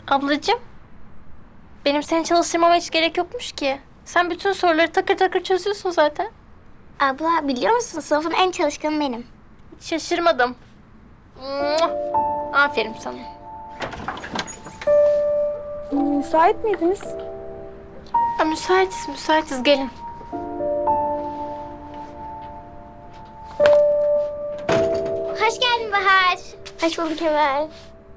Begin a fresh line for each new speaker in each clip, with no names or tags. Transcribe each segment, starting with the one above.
Ablacığım, benim seni çalıştırmama hiç gerek yokmuş ki. Sen bütün soruları takır takır çözüyorsun zaten.
Abla biliyor musun sınıfın en çalışkanı benim.
Hiç şaşırmadım. Muah! Aferin sana.
Müsait miydiniz?
Ha, müsaitiz. Gelin.
Hoş geldin Bahar. Hoş bulduk Emel.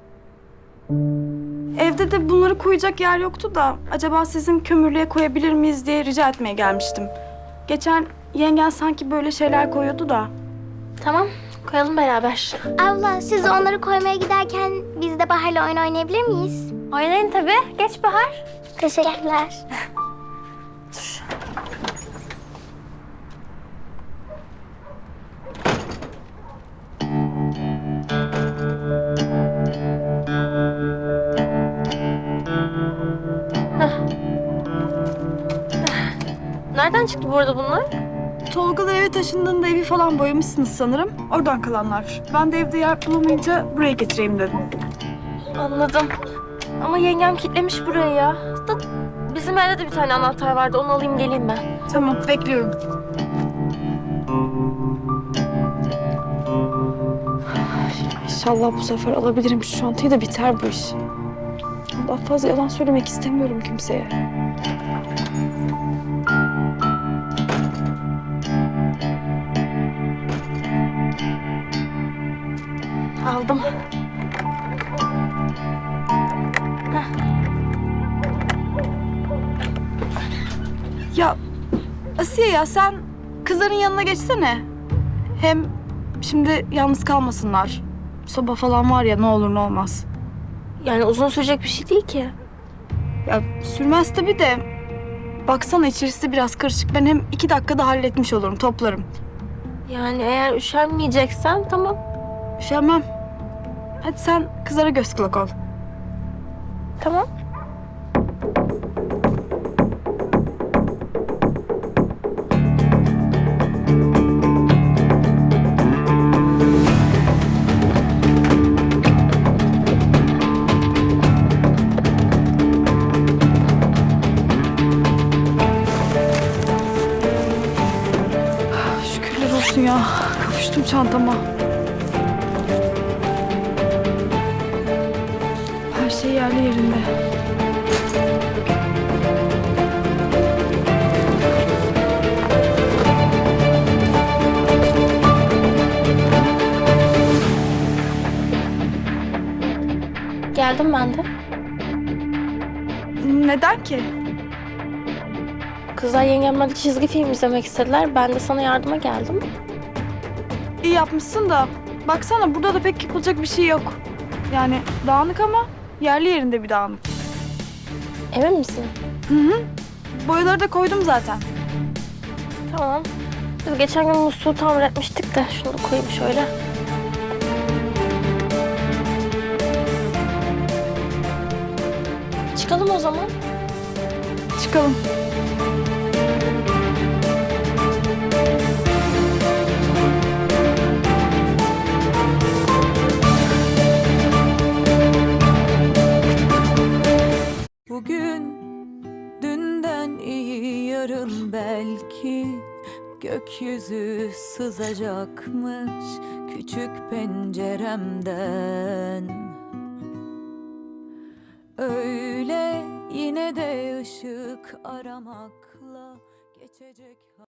Evde de bunları koyacak yer yoktu da acaba sizin kömürlüğe koyabilir miyiz diye rica etmeye gelmiştim. Geçen yengen sanki böyle şeyler koyuyordu da.
Tamam, koyalım beraber.
Abla siz de onları koymaya giderken biz de Bahar'la oyun oynayabilir miyiz?
Oynayın tabii. Geç Bahar.
Teşekkürler.
Nereden çıktı bu arada bunlar?
Tolgalar eve taşındığında evi falan boyamışsınız sanırım. Oradan kalanlar. Ben de evde yer bulamayınca buraya getireyim dedim.
Anladım. Ama yengem kilitlemiş burayı ya. Da bizim evde de bir tane anahtar vardı. Onu alayım geleyim ben.
Tamam, bekliyorum. İnşallah bu sefer alabilirim şu çantayı da biter bu iş. Daha fazla yalan söylemek istemiyorum kimseye.
Aldım.
Ya Asiye ya sen kızların yanına geçsene. Hem şimdi yalnız kalmasınlar. Soba falan var ya ne olur ne olmaz.
Yani uzun sürecek bir şey değil ki.
Ya sürmez tabii de. Baksana içerisi biraz karışık. Ben hem 2 dakikada halletmiş olurum, toplarım.
Yani eğer üşenmeyeceksen tamam.
Üşenmem. Hadi sen kızlara göz kulak ol.
Tamam.
Şükürler olsun ya. Kavuştum çantama. Her şey yerli yerinde.
Geldim ben de.
Neden ki?
Kızlar yengemler çizgi film izlemek istediler. Ben de sana yardıma geldim.
İyi yapmışsın da. Baksana burada da pek yapılacak bir şey yok. Yani dağınık ama yerli yerinde bir dağınık.
Emin misin?
Hı hı. Boyaları da koydum zaten.
Tamam. Biz geçen gün musluğu tamir etmiştik de şunu da koyayım şöyle. Çıkalım o zaman.
Çıkalım.
Bugün dünden iyi yarın belki gökyüzü sızacakmış küçük penceremden. Öyle yine de ışık aramakla geçecek.